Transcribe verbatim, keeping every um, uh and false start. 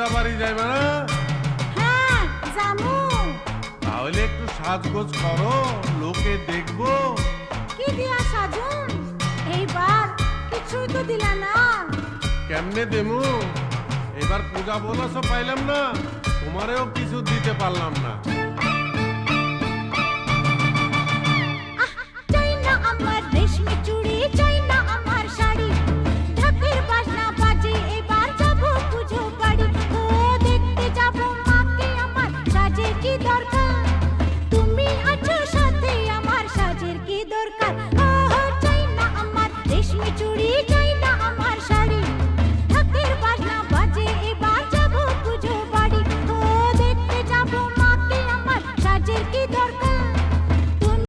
পূজা বাড়ি যাইবে না? হ্যাঁ জামু। তাহলে একটু সাজগোজ করো, লোকে দেখবো। কি দিয়া সাজুন? এইবার কিছুই তো দিলা না। কেমনে দেমু? এবার পূজা বোনাসও পাইলাম না, তোমারেও কিছু দিতে পারলাম না।